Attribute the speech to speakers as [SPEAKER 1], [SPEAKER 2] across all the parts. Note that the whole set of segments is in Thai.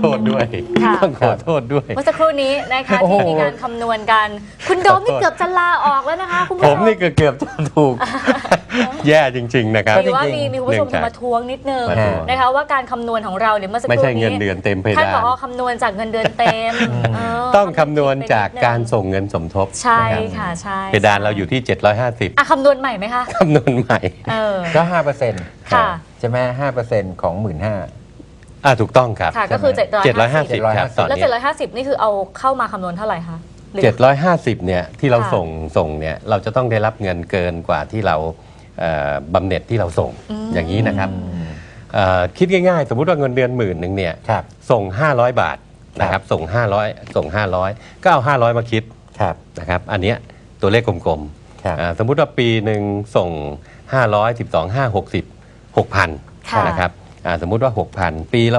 [SPEAKER 1] โทษด้วยต้องขอโทษด้วย
[SPEAKER 2] เมื่อสักครู่นี้นะคะที่มีการคำนวณกันคุณโดมนี่เกือบจะลาออกแล้วนะคะคุณผู้ชม
[SPEAKER 1] ผมนี่เกือบจะถูก แย่จริงๆนะครับ
[SPEAKER 2] ว่ามีคุณผู้ชมมาทวงนิดนึงนะคะว่าการคำนวณของเราเนี่ยเมื่อสักครู่นี้
[SPEAKER 1] ไม่ใช่เงินเดือนเต็มเพดาน
[SPEAKER 2] ท่านผอคำนวณจากเงินเดือนเต็ม
[SPEAKER 1] ต้องคำนวณจากการส่งเงินสมทบ
[SPEAKER 2] ใช่ค่ะใช่
[SPEAKER 1] เพดานเราอยู่ที่750
[SPEAKER 2] คำนวณใหม่ไหมคะ
[SPEAKER 1] คำนวณใหม่
[SPEAKER 3] ก็ 5%
[SPEAKER 2] ค่ะ
[SPEAKER 3] ใช่ไหม5%ของ 15,000
[SPEAKER 1] ถูกต้องครับ
[SPEAKER 2] ก็คือ
[SPEAKER 1] 750ครับ
[SPEAKER 2] แล้ว750นี่คือเอาเข้ามาคำนวณเท่าไหร่คะ
[SPEAKER 1] 750เนี่ยที่เราส่งเนี่ยเราจะต้องได้รับเงินเกินกว่าที่เราบำเหน็จที่เราส่งอย่างนี้นะครับคิดง่ายๆสมมุติว่าเงินเดือน10,000เนี่ยส่ง500 บาทนะครับส่ง500ก็เอา500มาคิดนะครับอันเนี้ยตัวเลขกลมๆสมมุติว่าปีหนึ่งส่ง500 12 5 60 6,000นะครับสมมุติว่า 6,000 ปีละ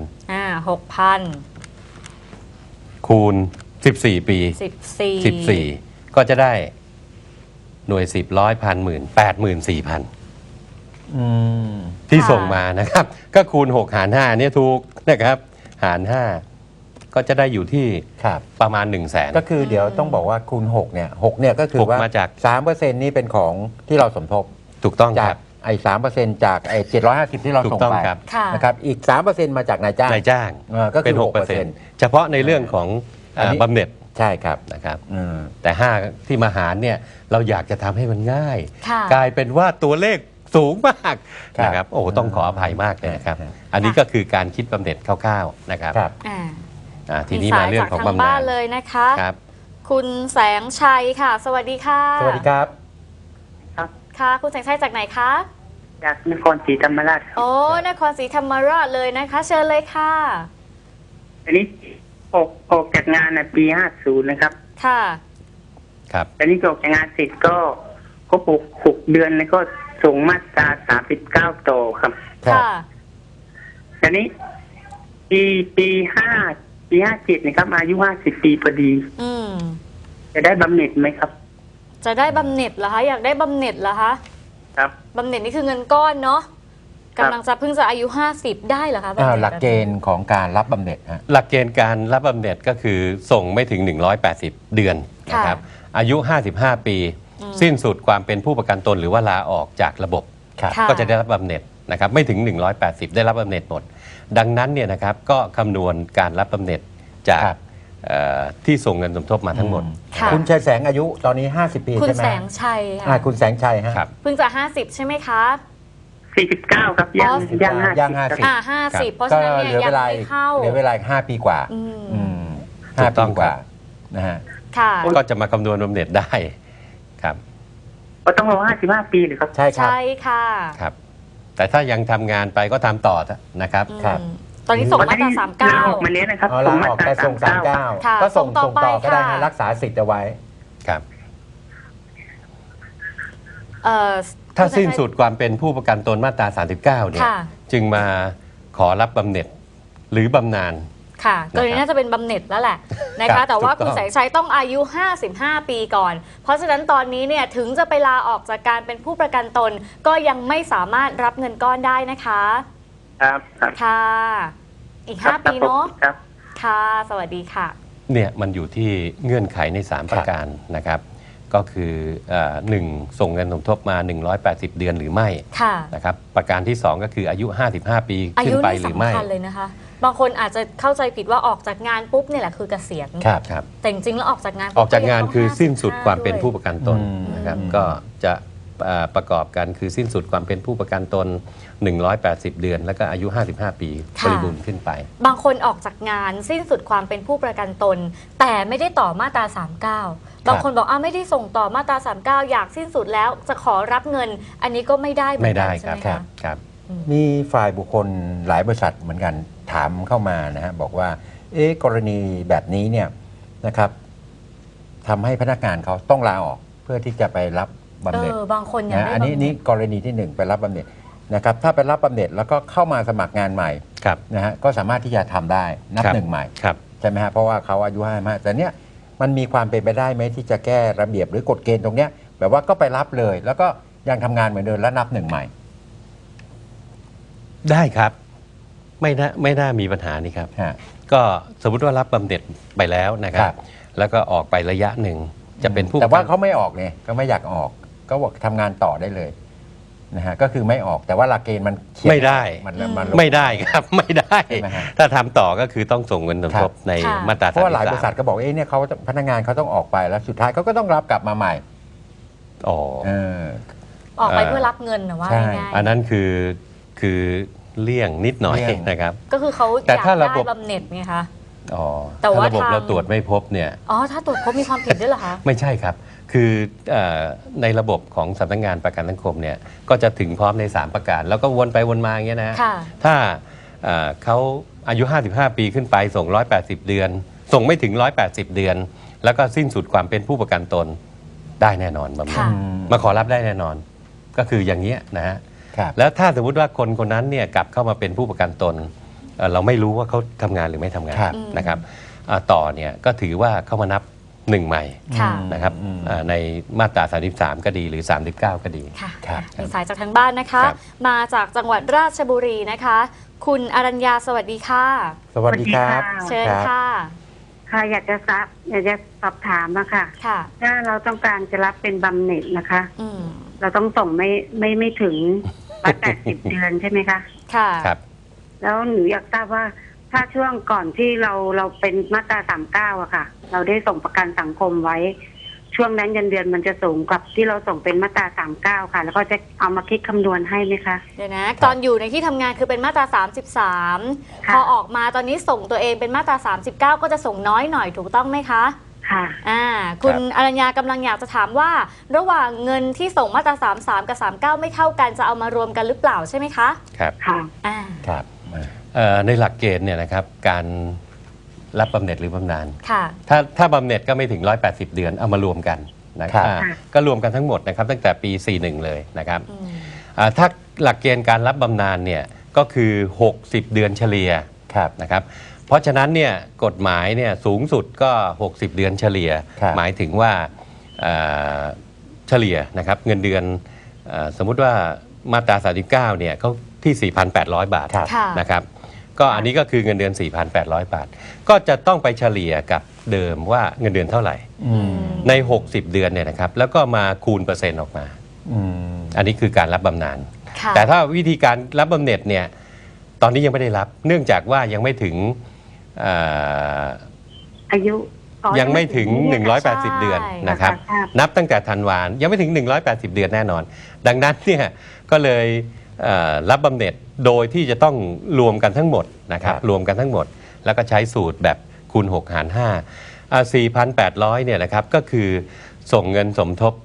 [SPEAKER 1] 6,000 คูณ14 ปี14ก็จะได้หน่วย10 100 พันหมื่น84,000ที่ส่งมานะครับก็คูณ6หาร5เนี่ยถูกนะครับหาร5ก็จะได้อยู่ที่ประมาณ 100,000
[SPEAKER 3] ก็คือเดี๋ยวต้องบอกว่าคูณ6เนี่ยก็คือว่า 3% นี่เป็นของที่เราสมทบ
[SPEAKER 1] ถูกต้องครับ
[SPEAKER 3] ไอ้ 3% จากไอ้750ที่เราส่งไปนะครับอีก 3% มาจากนายจ้างก็เป็น
[SPEAKER 1] 6% เฉพาะในเรื่องของบำเหน็จ
[SPEAKER 3] ใช่ครับ
[SPEAKER 1] นะครับแต่5ที่มาหารเนี่ยเราอยากจะทำให้มันง่ายกลายเป็นว่าตัวเลขสูงมากนะครับโอ้ต้องขออภัยมากเลยนะครับอันนี้ก็คือการคิดบำเหน็จคร่าวๆนะครับทีนี้มาเรื่องของบำนาญ
[SPEAKER 2] เลยนะคะคุณแสงชัยค่ะสวัสดีค่ะ
[SPEAKER 3] สวัสดีครับ
[SPEAKER 2] ค่ะคุณแสงชัยจากไหนคะ
[SPEAKER 4] จากนครศรีธรรมราช
[SPEAKER 2] โอ้นครศรีธรรมราชเลยนะคะเชิญเลยค่ะ
[SPEAKER 4] อันนี้ออกจากงานในปี50นะครับ
[SPEAKER 2] ค่ะ
[SPEAKER 1] ครับ
[SPEAKER 4] อันนี้ออกจากงานเสร็จก็6 เดือนแล้วก็ส่งมาตรา39ต่อครับ
[SPEAKER 2] ค่ะ
[SPEAKER 4] อันนี้ปี57นะครับอายุ50 ปีพอดีจะได้บำเหน็จไหมครับ
[SPEAKER 2] จะได้บำเหน็จเหรอคะอยากได้บำเหน็จเหรอคะ
[SPEAKER 4] ครับ
[SPEAKER 2] บำเหน็จนี่คือเงินก้อนเนาะกำลังจะเพิ่งจะอายุ50ได้เหรอคะ
[SPEAKER 3] หลักเกณฑ์ของการรับบำเหน็จ
[SPEAKER 1] หลักเกณฑ์การรับบำเหน็จก็คือส่งไม่ถึง180เดือนนะครับอายุ55 ปีสิ้นสุดความเป็นผู้ประกันตนหรือว่าลาออกจากระบบก็จะได้รับบำเหน็จนะครับไม่ถึง180ได้รับบำเหน็จหมดดังนั้นเนี่ยนะครับก็คำนวณการรับบำเหน็จจากที่ส่งเงินสมทบมาทั้งหมด
[SPEAKER 3] คุณชัยแสงอายุตอนนี้50 ปีใช่ไหม
[SPEAKER 2] คุณแสงชัย
[SPEAKER 3] คุณแสงชัย
[SPEAKER 1] ครับ
[SPEAKER 2] เพิ่งจะ50ใช่ไหมคะ
[SPEAKER 4] 49ครับ
[SPEAKER 3] ย่าง
[SPEAKER 2] 50เพราะฉะนั้นเนี่ยยังไม่เข้า
[SPEAKER 3] เหลือเวลา5 ปีกว่า5 ปีกว่านะฮะ
[SPEAKER 1] ก็จะมาคำนวณบำเหน็จได้ครับ
[SPEAKER 4] ก็ต้องรอ55 ปีหรือครับ
[SPEAKER 3] ใช่ครับ
[SPEAKER 2] ใช่ค่ะ
[SPEAKER 1] ครับแต่ถ้ายังทำงานไปก็ทำต่อนะครับ
[SPEAKER 2] ตอนนี้ส่งมาตรา39
[SPEAKER 4] มาเนี้ยนะครับ
[SPEAKER 3] ส่งมาตรา39ก็ส่งต่อก็ได้รักษาสิทธิ์เอาไว้
[SPEAKER 1] ครับถ้าสิ้นสุดความเป็นผู้ประกันตนมาตรา39เนี่ยจึงมาขอรับบำเหน็จหรือบำนาญ
[SPEAKER 2] ค่ะกรณีน่าจะเป็นบำเหน็จแล้วแหละนะคะแต่ว่าคุณแสงชัยต้องอายุ55 ปีก่อนเพราะฉะนั้นตอนนี้เนี่ยถึงจะไปลาออกจากการเป็นผู้ประกันตนก็ยังไม่สามารถรับเงินก้อนได้นะคะ
[SPEAKER 4] ครับ
[SPEAKER 2] ค่ะอีก5 ปีเนาะค่ะสวัสดีค่ะ
[SPEAKER 1] เนี่ยมันอยู่ที่เงื่อนไขใน3ประการนะครับก็คือ1ส่งเงินสมทบมา180เดือนหรือไม่นะครับประการที่2ก็คืออายุ55 ปีขึ้นไปหรือไม่
[SPEAKER 2] อายุนี่สำคัญเลยนะคะบางคนอาจจะเข้าใจผิดว่าออกจากงานปุ๊บเนี่ยแหละคือเกษียณ
[SPEAKER 1] ครับ
[SPEAKER 2] แต่จริงๆแล้วออกจากง
[SPEAKER 1] านคือสิ้นสุดความเป็นผู้ประกันตนนะครับก็จะประกอบกันคือสิ้นสุดความเป็นผู้ประกันตน180เดือนแล้วก็อายุ55 ปีบริบูรณ์ขึ้นไป
[SPEAKER 2] บางคนออกจากงานสิ้นสุดความเป็นผู้ประกันตนแต่ไม่ได้ต่อมาตรา39บางคนบอกไม่ได้ส่งต่อมาตรา39อยากสิ้นสุดแล้วจะขอรับเงินอันนี้ก็ไม่ได้
[SPEAKER 1] ใช่ไหมครับ
[SPEAKER 3] มีฝ่ายบุคคลหลายบริษัทเหมือนกันถามเข้ามานะฮะบอกว่ากรณีแบบนี้เนี่ยนะครับทำให้พนักงานเขาต้องลาออกเพื่อที่จะไปรับบำเหน็จ
[SPEAKER 2] บางคนอย่าง
[SPEAKER 3] อันนี้กรณีที่1ไปรับบำเหน็จนะครับถ้าไปรับบำเหน็จแล้วก็เข้ามาสมัครงานใหม่นะฮะก็สามารถที่จะทำได้นับหนึ่งใหม่ใช่ไหมฮะเพราะว่าเขาอายุ55แต่เนี้ยมันมีความเป็นไปได้ไหมที่จะแก้ระเบียบหรือกฎเกณฑ์ตรงเนี้ยแบบว่าก็ไปรับเลยแล้วก็ยังทำงานเหมือนเดิมแล้วนับหนึ่งใหม่
[SPEAKER 1] ได้ครับไม่น่ามีปัญหานี่ครับ
[SPEAKER 3] ฮะ
[SPEAKER 1] ก็สมมุติว่ารับบำเหน็จไปแล้วนะครั
[SPEAKER 3] ครับ บ
[SPEAKER 1] แล้วก็ออกไประยะหนึ่งจะเป็นผู้
[SPEAKER 3] แต่ว่า
[SPEAKER 1] ประกัน
[SPEAKER 3] เขาไม่ออกเนี่ยก็ไม่อยากออก ก็บอกทำงานต่อได้เลยนะฮะก็คือไม่ออกแต่ว่าหลักเกณฑ์มันเขียน
[SPEAKER 1] ไม่ได้
[SPEAKER 3] มันลง
[SPEAKER 1] ไม่ได้ครับ ไม่ได้
[SPEAKER 3] ใช่ไหมฮะ
[SPEAKER 1] ถ้าทำต่อก็คือต้องส่งเงินสมทบใน
[SPEAKER 2] ค่ะ
[SPEAKER 1] มาตรา
[SPEAKER 3] เพราะว่าหลายบริษัท
[SPEAKER 1] 33
[SPEAKER 3] ก็บอกเนี่ยเขาพนักงานเขาต้องออกไปแล้วสุดท้ายเขาก็ต้องรับกลับมาใหม่
[SPEAKER 1] อ๋อ
[SPEAKER 3] เออ
[SPEAKER 2] ออกไปเพื่อรับเงินนะว่า
[SPEAKER 3] ใช่
[SPEAKER 2] ง่าย
[SPEAKER 1] อันนั้นคือเลี่ยงนิดหน่อย
[SPEAKER 3] เลี่ยง
[SPEAKER 1] นะครับ
[SPEAKER 2] ๆก็คือเขาอ
[SPEAKER 1] แต่
[SPEAKER 2] ยาก
[SPEAKER 1] ถ้าระ
[SPEAKER 2] ได้
[SPEAKER 1] บบ
[SPEAKER 2] บำเหน็จไงคะ
[SPEAKER 1] อ๋อ
[SPEAKER 2] แต่ว่า
[SPEAKER 1] ถ้าระบบ
[SPEAKER 2] ทาง
[SPEAKER 1] เราตรวจไม่พบเนี่ย
[SPEAKER 2] อ๋อถ้าตรวจพบมีความผิดด้วยเหรอคะ
[SPEAKER 1] ไม่ใช่ครับ คือในระบบของสำนักงานประกันสังคมเนี่ยก็จะถึงพร้อมใน 3 ประการ แล้วก็วนไปวนมาอย่างเงี้ยนะ
[SPEAKER 2] ค่ะ
[SPEAKER 1] ถ้าเขาอายุ 55 ปีขึ้นไปส่ง 180 เดือน ส่งไม่ถึง 180 เดือน แล้วก็สิ้นสุดความเป็นผู้ประกันตนได้แน่นอนบำเหน็จ
[SPEAKER 2] ค่ะ
[SPEAKER 1] มาขอรับได้แน่นอน ก็คืออย่างเงี้ยนะฮะ
[SPEAKER 3] ครับ
[SPEAKER 1] แล้วถ้าสมมุติว่าคนคนนั้นเนี่ยกลับเข้ามาเป็นผู้ประกันตนเราไม่รู้ว่าเขาทำงานหรือไม่ทำงาน
[SPEAKER 3] ครับ
[SPEAKER 1] นะครับต่อเนี่ยก็ถือว่าเข้ามานับหนึ่งใหม่
[SPEAKER 2] ค่ะ
[SPEAKER 1] นะครับในมาตรา 33 ก็ดีหรือ 39 ก็ดี
[SPEAKER 2] ค่ะ
[SPEAKER 3] ครับ
[SPEAKER 2] มีสายจากทางบ้านนะคะ
[SPEAKER 1] ครับ
[SPEAKER 2] มาจากจังหวัดราชบุรีนะคะ คุณอรัญญาสวัสดีค่ะ
[SPEAKER 3] สวัสดีครับ
[SPEAKER 2] เชิญค่ะ
[SPEAKER 5] ค่ะอยากจะสอบถามอะค่ะ
[SPEAKER 2] ค่ะ
[SPEAKER 5] ถ้าเราต้องการจะรับเป็นบำเหน็จนะคะ
[SPEAKER 2] อืม
[SPEAKER 5] เราต้องส่งไม่ถึง180 เดือนใช่ไหมคะ
[SPEAKER 2] ค่ะ
[SPEAKER 1] ครับ
[SPEAKER 5] แล้วหนูอยากทราบว่าถ้าช่วงก่อนที่เราเป็นมาตรา39อะค่ะ เราได้ส่งประกันสังคมไว้ ช่วงนั้นเงินเดือนมันจะสูงกว่าที่เราส่งเป็นมาตรา39ค่ะ แล้วก็จะเอามาคิดคำนวณให้ไหมคะ
[SPEAKER 2] เดี๋ยวนะ ตอนอยู่ในที่ทำงานคือเป็นมาตรา 33
[SPEAKER 5] ค่ะ
[SPEAKER 2] พอออกมาตอนนี้ส่งตัวเองเป็นมาตรา 39 ก็จะส่งน้อยหน่อยถูกต้องไหมคะ
[SPEAKER 5] ค่ะ
[SPEAKER 2] คุณอรัญญากำลังอยากจะถามว่า ระหว่างเงินที่ส่งมาตรา 33 กับ 39 ไม่เท่ากันจะเอามารวมกันหรือเปล่าใช่ไหมคะ
[SPEAKER 1] ครับ
[SPEAKER 5] ค่ะ
[SPEAKER 2] อ่า
[SPEAKER 3] ครับ
[SPEAKER 1] ในหลักเกณฑ์เนี่ยนะครับการรับบำเหน็จหรือบำนาญ
[SPEAKER 2] ค่ะ
[SPEAKER 1] ถ้าบำเหน็จก็ไม่ถึง 180 เดือนเอามารวมกันนะค
[SPEAKER 3] ครั
[SPEAKER 1] รับบ ก็รวมกันทั้งหมดนะครับตั้งแต่ปี 41 เลยนะครับ
[SPEAKER 2] อืม
[SPEAKER 1] ถ้าหลักเกณฑ์การรับบำนาญเนี่ยก็คือ 60 เดือนเฉลี่ย
[SPEAKER 3] ครับ
[SPEAKER 1] นะครับเพราะฉะนั้นเนี่ยกฎหมายเนี่ยสูงสุดก็ 60 เดือนเฉลี่ย
[SPEAKER 3] ครับ
[SPEAKER 1] หมายถึงว่าเฉลี่ยนะครับเงินเดือนสมมุติว่ามาตรา 39 เนี่ยเขาที่ 4,800 บาท
[SPEAKER 3] ครับ
[SPEAKER 2] ค่ะ
[SPEAKER 1] นะครับก็อันนี้ก็คือเงินเดือน 4,800 บาท ก็จะต้องไปเฉลี่ยกับเดิมว่าเงินเดือนเท่าไหร่
[SPEAKER 3] อืม
[SPEAKER 1] ใน 60 เดือนเนี่ยนะครับแล้วก็มาคูณเปอร์เซ็นต์ออกมา
[SPEAKER 3] อืม
[SPEAKER 1] อันนี้คือการรับบำนาญ
[SPEAKER 2] ค่ะ
[SPEAKER 1] แต่ถ้าวิธีการรับบำเหน็จเนี่ยตอนนี้ยังไม่ได้รับ เนื่องจากว่ายังไม่ถึงเอ่อ
[SPEAKER 5] อายุอ๋อ
[SPEAKER 1] ยังไม่ถึง
[SPEAKER 5] เนี่ยค่ะ
[SPEAKER 1] 180 เดือนนะครับ
[SPEAKER 5] ค่ะ
[SPEAKER 1] นับตั้งแต่ธันวายังไม่ถึง 180 เดือนแน่นอน ดังนั้นเนี่ยก็เลยรับบำเหน็จโดยที่จะต้องรวมกันทั้งหมดนะครับ
[SPEAKER 3] ครับ
[SPEAKER 1] รวมกันทั้งหมด แล้วก็ใช้สูตรแบบคูณ 6 หาร 5 4,800 เนี่ยนะครับก็คือส่งเงินสมทบ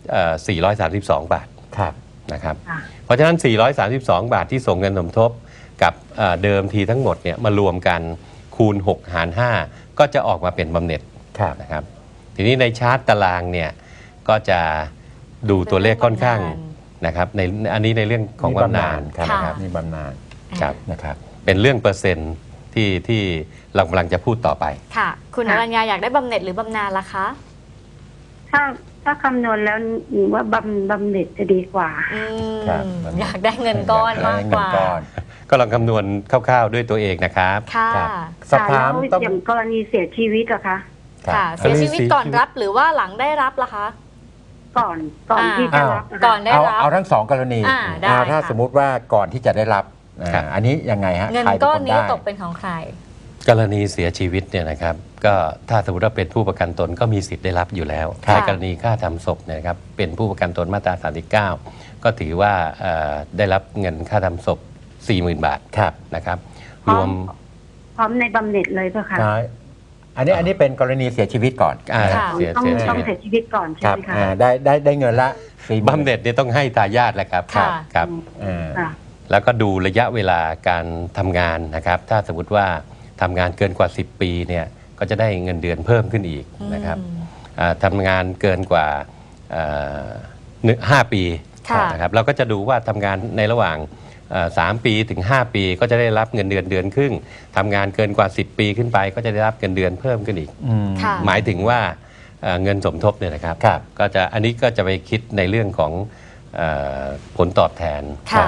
[SPEAKER 1] 432 บาท
[SPEAKER 3] ครับ
[SPEAKER 1] นะครับ
[SPEAKER 5] ค่ะ
[SPEAKER 1] เพราะฉะนั้น 432 บาทที่ส่งเงินสมทบกับเดิมทีทั้งหมดเนี่ยมารวมกันคูณ 6 หาร 5 ก็จะออกมาเป็นบำเหน็จ
[SPEAKER 3] ครับ
[SPEAKER 1] นะครับ ทีนี้ในชาร์ตตารางเนี่ยก็จะดูตัวเลขค่อนข้างนะครับในอันนี้ในเรื่องของบำนาญ
[SPEAKER 3] ครับ
[SPEAKER 2] ค่ะ
[SPEAKER 3] นะครับนี่บำนาญ
[SPEAKER 1] ครับ
[SPEAKER 3] นะครับ
[SPEAKER 1] เป็นเรื่องเปอร์เซ็นต์ที่เรากำลังจะพูดต่อไป
[SPEAKER 2] ค่ะ คุณอรัญญาอยากได้บำเหน็จหรือบำนาญล่ะคะ
[SPEAKER 5] ถ้าคำนวณแล้วหนูว่าบำเหน็จจะดีกว่า
[SPEAKER 2] อืม
[SPEAKER 3] ครับ
[SPEAKER 2] อยากได้เงินก้อนมากกว่า
[SPEAKER 3] เงินก้อน
[SPEAKER 1] ก็ลองคำนวณคร่าวๆด้วยตัวเองนะครับ
[SPEAKER 2] ค่ะ
[SPEAKER 3] ครับ สอบถาม
[SPEAKER 5] แล้ว
[SPEAKER 3] ต้อง
[SPEAKER 5] อย่างกรณีเสียชีวิตอะคะ
[SPEAKER 3] ครับ
[SPEAKER 2] ค่ะ เสียชีวิตก่อนรับหรือว่าหลังได้รับล่ะคะ
[SPEAKER 5] ก่อนที่จะรับะคะ
[SPEAKER 2] ก่อนได้รับ
[SPEAKER 3] เอาทั้งสองกรณี
[SPEAKER 2] ได้
[SPEAKER 3] ถ้า
[SPEAKER 2] ค่ะ
[SPEAKER 3] สมมุติว่าก่อนที่จะได้รับ
[SPEAKER 1] ครับ
[SPEAKER 3] อันนี้ยังไงฮะ
[SPEAKER 2] เงิน
[SPEAKER 3] ใครเป็
[SPEAKER 2] ก้อน
[SPEAKER 3] ค
[SPEAKER 2] นี้
[SPEAKER 3] ได้
[SPEAKER 2] ตกเป็นของใคร
[SPEAKER 1] กรณีเสียชีวิตเนี่ยนะครับก็ถ้าสมมติว่าเป็นผู้ประกันตนก็มีสิทธิ์ได้รับอยู่แล้ว
[SPEAKER 2] ค่ะ
[SPEAKER 1] ในกรณีค่าทำศพเนยนะครับเป็นผู้ประกันตนมาตรา 39 ก็ถือว่าได้รับเงินค่าทำศพ 40,000 บาท
[SPEAKER 3] ครับ
[SPEAKER 1] นะครับ
[SPEAKER 5] พร้
[SPEAKER 1] ร
[SPEAKER 5] อ
[SPEAKER 1] ว
[SPEAKER 5] ม
[SPEAKER 1] ม
[SPEAKER 5] พร้อมในบำเหน็จเลยป่ะคะ
[SPEAKER 3] ใช่อันนี้เป็นกรณีเสียชีวิตก่อน
[SPEAKER 2] ค่ะ
[SPEAKER 1] เสีย
[SPEAKER 5] ต้อง
[SPEAKER 1] ชี
[SPEAKER 5] ต้อง
[SPEAKER 1] วิต
[SPEAKER 5] เสียชีวิตก่อน
[SPEAKER 3] ค
[SPEAKER 5] ใช่
[SPEAKER 3] รับ
[SPEAKER 5] ไหมคะ
[SPEAKER 3] ได้เงินละ40,000
[SPEAKER 1] บำเหน็จเนี่ยต้องให้ทายาทแหละครับ
[SPEAKER 2] ค่ะ
[SPEAKER 1] ครับ
[SPEAKER 3] อ่า
[SPEAKER 5] ค่ะ
[SPEAKER 1] แล้วก็ดูระยะเวลาการทำงานนะครับ ถ้าสมมติว่าทำงานเกินกว่า 10 ปีเนี่ยก็จะได้เงินเดือนเพิ่มขึ้นอีกนะครับ ทำงานเกินกว่า5 ปี
[SPEAKER 2] ค่ะ
[SPEAKER 1] นะครับเราก็จะดูว่าทำงานในระหว่าง3 ปีถึง 5 ปีก็จะได้รับเงินเดือนครึ่งทำงานเกินกว่า 10 ปีขึ้นไป ก็จะได้รับเงินเดือนเพิ่มขึ้นอีก
[SPEAKER 3] อืม
[SPEAKER 2] ค่ะ
[SPEAKER 1] หมายถึงว่าเงินสมทบเนี่ยนะครับ
[SPEAKER 3] ครับ
[SPEAKER 1] ก็จะอันนี้ก็จะไปคิดในเรื่องของผลตอบแทน
[SPEAKER 2] ค่ะ
[SPEAKER 1] นะครับ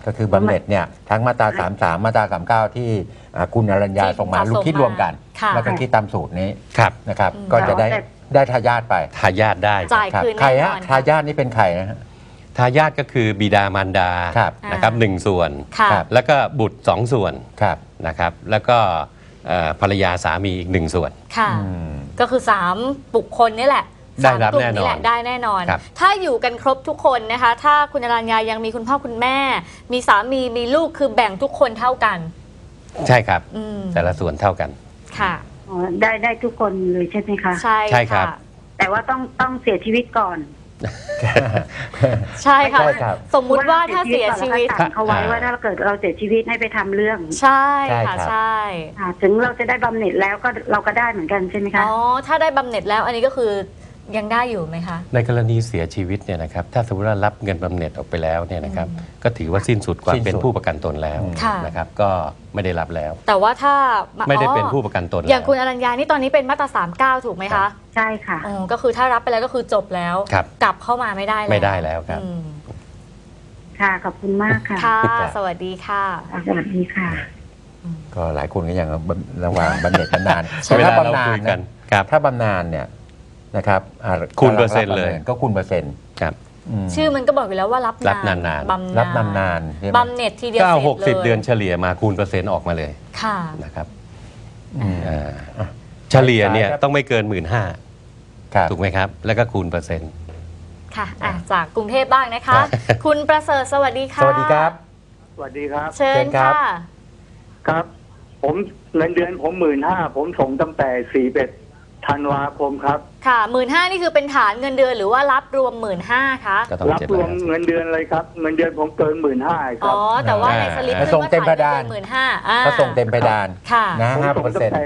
[SPEAKER 3] ก็คือบำเหน็จเนี่ยทั้งมาตรา 33 มาตรา 39 ที่คุณอรัญญา
[SPEAKER 2] ที่
[SPEAKER 3] ส่งมา
[SPEAKER 2] ส่ง
[SPEAKER 3] ลูกคิดรวมกัน
[SPEAKER 2] ค่ะ
[SPEAKER 3] แล้วก็คิดตามสูตรนี้
[SPEAKER 1] ครับ
[SPEAKER 3] นะครับ ก็จะได้ทายาทไป
[SPEAKER 1] ทายาทได้
[SPEAKER 2] จ่าย
[SPEAKER 3] ครับ
[SPEAKER 2] คืน
[SPEAKER 3] ใคร
[SPEAKER 2] แน่น
[SPEAKER 3] ฮะ
[SPEAKER 2] อน
[SPEAKER 3] ทายาทนี่เป็นใครนะฮะ
[SPEAKER 1] ทายาทก็คือบิดามารดา
[SPEAKER 3] ครับ
[SPEAKER 1] นะครับหนึ่งส่วน
[SPEAKER 2] ค่ะ
[SPEAKER 3] ครับ
[SPEAKER 1] แล้วก็บุตรสองส่วน
[SPEAKER 3] ครับ
[SPEAKER 1] นะครับ แล้วก็ภรรยาสามีอีกหนึ่งส่วน
[SPEAKER 2] ค่ะ
[SPEAKER 3] อืม
[SPEAKER 2] ก็คือ 3 บุคคลนี่แหละ
[SPEAKER 1] ได้รับ
[SPEAKER 2] สามกลุ่ม
[SPEAKER 1] แน่นอน
[SPEAKER 2] แหละได้แน่นอน
[SPEAKER 1] ครับ
[SPEAKER 2] ถ้าอยู่กันครบทุกคนนะคะ ถ้าคุณอรัญญายังมีคุณพ่อคุณแม่ มีสามีมีลูกคือแบ่งทุกคนเท่ากัน
[SPEAKER 1] ใช่ครับ
[SPEAKER 2] อืม
[SPEAKER 1] แต่ละส่วนเท่ากัน
[SPEAKER 2] ค่ะ
[SPEAKER 5] อ๋อได้ทุกคนเลยใช่ไหมคะ
[SPEAKER 2] ใช่
[SPEAKER 1] ใช่ครับ
[SPEAKER 2] ะ
[SPEAKER 5] แต่ว่าต้องเสียชีวิตก่อน
[SPEAKER 2] ใช่ค่ะ
[SPEAKER 3] ใช่ครับ
[SPEAKER 2] สมมุติว่าถ้าเสียชีวิต
[SPEAKER 5] ก่อนแล้วก็สั่งเขาไว้ว่าถ้าเกิดเราเสียชีวิตให้ไปทำเรื่อง
[SPEAKER 2] ใช่
[SPEAKER 3] ใช่
[SPEAKER 2] ค่ะ
[SPEAKER 3] ครับ
[SPEAKER 2] ใช่
[SPEAKER 5] ถึงเราจะได้บำเหน็จแล้วก็เราก็ได้เหมือนกันใช่ไหมคะ
[SPEAKER 2] อ๋อถ้าได้บำเหน็จแล้วอันนี้ก็คือยังได้อยู่ไหมคะ
[SPEAKER 1] ในกรณีเสียชีวิตเนี่ยนะครับถ้าสมมติว่ารับเงินบำเหน็จออกไปแล้วเนี่ยนะครับก็ถือว่าสิ้นสุดความ
[SPEAKER 3] สิ้นสุด
[SPEAKER 1] เป็นผู้ประกันตนแล้ว
[SPEAKER 2] ค่ะ
[SPEAKER 1] นะครับก็ไม่ได้รับแล้ว
[SPEAKER 2] แต่ว่าถ้า
[SPEAKER 1] ไม่ได้เป็น
[SPEAKER 2] อ๋อ
[SPEAKER 1] ผู้ประกันตน
[SPEAKER 2] อย่าง
[SPEAKER 1] แล้ว
[SPEAKER 2] คุณอรัญญานี่ตอนนี้เป็นมาตรา39ถูกไหมคะ
[SPEAKER 5] ใช่ค่ะ
[SPEAKER 2] อ๋อก็คือถ้ารับไปแล้วก็คือจบแล้ว
[SPEAKER 1] ครับ
[SPEAKER 2] กลับเข้ามาไม่ได้แล้ว
[SPEAKER 1] ไม่ได้แล้วครับ
[SPEAKER 2] อืม
[SPEAKER 5] ค่ะขอบคุณมากค่ะ
[SPEAKER 2] ค่ะ
[SPEAKER 3] ครับ
[SPEAKER 2] สวัสดีค่ะ
[SPEAKER 5] สวัสดีค่ะ
[SPEAKER 3] ก็หลายคนก็ยังระหว่างบำเหน็จบำนาญ
[SPEAKER 1] ใช่
[SPEAKER 3] แต่ถ้า
[SPEAKER 1] เวลาเรา
[SPEAKER 3] บำนา
[SPEAKER 1] คุ
[SPEAKER 3] ญ
[SPEAKER 1] ยกั
[SPEAKER 3] นะ
[SPEAKER 1] นครับ
[SPEAKER 3] ถ้าบำนาญเนี่ยนะครับ
[SPEAKER 1] คูณเปอร์เซ็นต์เลย
[SPEAKER 3] ก็คูณเปอร์เซ็นต์
[SPEAKER 1] ครับ
[SPEAKER 3] ม
[SPEAKER 2] ชื่อมันก็บอกอยู่แล้วว่ารับ
[SPEAKER 1] รับนานๆ
[SPEAKER 2] บำ
[SPEAKER 3] รับนานๆใช่ไหม
[SPEAKER 2] บำเหน็จทีเดียว
[SPEAKER 1] ก็
[SPEAKER 2] เสร็จ
[SPEAKER 1] หกสิบ
[SPEAKER 2] ลย
[SPEAKER 1] เดือนเฉลี่ยมาคูณเปอร์เซ็นต์ออกมาเลย
[SPEAKER 2] ค่ะ
[SPEAKER 1] นะครับ
[SPEAKER 3] อืม
[SPEAKER 1] อ่าเฉลี่ยเนี่ย
[SPEAKER 3] ครับ
[SPEAKER 1] ต้องไม่เกิน
[SPEAKER 3] ครับ
[SPEAKER 1] ถูกไหมครับ แล้วก็คูณเปอร์เซ็นต์
[SPEAKER 2] ค่ะจากกรุงเทพบ้างนะคะ
[SPEAKER 1] ครับ
[SPEAKER 2] คุณประเสริฐสวัสดีค่ะ
[SPEAKER 3] สวัสดีครับ
[SPEAKER 4] สวัสดีครับ
[SPEAKER 2] เชิญ
[SPEAKER 3] เชิญครับ
[SPEAKER 2] ค่ะ
[SPEAKER 4] ครับ ผมเงินเดือนผม15,000ผมส่งตั้งแต่41ธันวาคมครับ
[SPEAKER 2] ค่ะ15,000นี่คือเป็นฐานเงินเดือนหรือว่ารับรวม15,000คะ
[SPEAKER 1] ก็ต้อง
[SPEAKER 4] รับ
[SPEAKER 1] เจ็ด
[SPEAKER 4] ร
[SPEAKER 1] ร้
[SPEAKER 4] ว
[SPEAKER 1] อย
[SPEAKER 4] ม
[SPEAKER 1] ห้าสิบ
[SPEAKER 4] เงินเดือนเลยครับ เงินเดือนผมเกิน15,000ค
[SPEAKER 2] อ๋
[SPEAKER 4] รั
[SPEAKER 2] อบ แต่ว่าในสลิป
[SPEAKER 1] อ่า
[SPEAKER 2] ขึ้นว่า
[SPEAKER 3] ส่งเต็ม
[SPEAKER 2] ฐาน
[SPEAKER 3] เพดาน
[SPEAKER 2] เงินเดือน15,000
[SPEAKER 3] ก็ส่งเต็มเพดาน
[SPEAKER 2] ค่ะ
[SPEAKER 3] นะ
[SPEAKER 4] ผม
[SPEAKER 3] 5%
[SPEAKER 4] ส่งตั้งแต่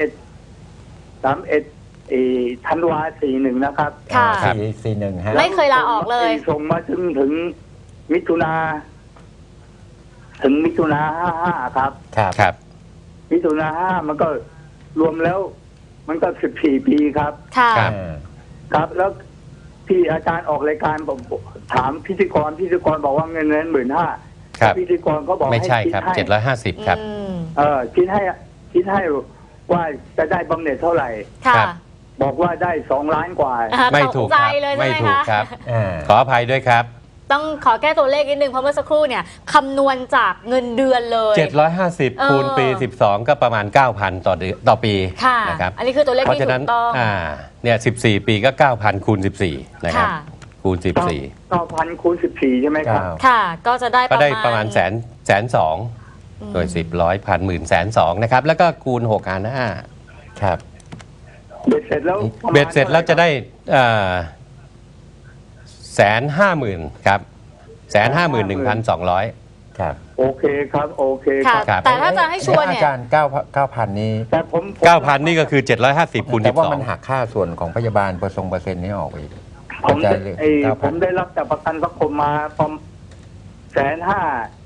[SPEAKER 4] 31ธันวา41นะครับ
[SPEAKER 2] ค่ะ
[SPEAKER 3] 441ฮะ
[SPEAKER 2] ไม่เคยลาออกเลย
[SPEAKER 4] ส่งมาถึงมิถุนา55ครับ
[SPEAKER 3] ครับ
[SPEAKER 1] ครับ
[SPEAKER 4] มิถุนา5มันก็รวมแล้ว มันก็14ปีครับ
[SPEAKER 2] ค่ะ
[SPEAKER 1] ครับ
[SPEAKER 4] ครับ แล้วที่อาจารย์ออกรายการผมถามพิธีกรบอกว่าเงินเดือน15,000
[SPEAKER 1] ครับ
[SPEAKER 4] พิธีกรเขาบอก
[SPEAKER 1] ไม่ใช่
[SPEAKER 4] ให้
[SPEAKER 1] ครับ
[SPEAKER 4] คิดให้
[SPEAKER 1] 750 ครับ
[SPEAKER 2] อืม
[SPEAKER 4] คิดให้ว่าจะได้บำเหน็จเท่าไหร่
[SPEAKER 2] ค่ะ
[SPEAKER 1] ครับ
[SPEAKER 4] บอกว่าได้2 ล้านกว่า
[SPEAKER 1] ไม่ถูก
[SPEAKER 2] ตใจ
[SPEAKER 1] ครับ
[SPEAKER 2] เลยใช่
[SPEAKER 1] ไม่
[SPEAKER 2] ไหม
[SPEAKER 1] ถูก
[SPEAKER 2] คะ
[SPEAKER 1] ครับ
[SPEAKER 3] อ่า
[SPEAKER 1] ขออภัยด้วยครับ
[SPEAKER 2] ต้องขอแก้ตัวเลขนิดนึงเพราะเมื่อสักครู่เนี่ยคำนวณจากเงินเดือนเลย
[SPEAKER 1] 750 คูณปี 12 ก็ประมาณ 9,000 ต่อเดือนต่อปี
[SPEAKER 2] ค่ะ
[SPEAKER 1] นะครับ
[SPEAKER 2] อันนี้คือตัวเลข
[SPEAKER 1] เพราะ
[SPEAKER 2] ที่
[SPEAKER 1] ฉะ
[SPEAKER 2] ถู
[SPEAKER 1] นั้น
[SPEAKER 2] กต้อง
[SPEAKER 1] เนี่ย14 ปีก็ 9,000 คูณ 14 นะครับ
[SPEAKER 2] ค่ะ
[SPEAKER 1] คูณ
[SPEAKER 4] 9,000 คูณ 14 ใช่ไหมครับ
[SPEAKER 2] ค่ะ ก็จะได้
[SPEAKER 1] 14 ก็ได้ประมาณแสนสองโดย 10 100 พันหมื่นแสนสองนะครับ แล้วก็คูณ6หาร5
[SPEAKER 3] ครับ
[SPEAKER 4] เบ็ดเสร็จแล้วประมาณ
[SPEAKER 1] เบ็ดเสร็จแล้วจะได้150,000ครับ151,200
[SPEAKER 3] ครับ
[SPEAKER 4] โอเคครับ โอเคค
[SPEAKER 2] ค่ะ
[SPEAKER 4] รับ
[SPEAKER 1] ครับ
[SPEAKER 2] แต่ถ้าจะให้ชัวร์เนี่ย
[SPEAKER 3] อาจารย์9,000 นี้
[SPEAKER 4] แต่ผม
[SPEAKER 1] 9,000 นี่ก็คือ 750 คูณ
[SPEAKER 3] แต่ว่ามัน
[SPEAKER 1] 12
[SPEAKER 3] หักค่าส่วนของพยาบาลเปอร์เซ็นต์นี้ออกไปอีก
[SPEAKER 4] ผม
[SPEAKER 3] อาจาร
[SPEAKER 4] ได้
[SPEAKER 3] ย์เลย
[SPEAKER 4] ผมได้รับจากประกันสังคมมาประมาณ150,000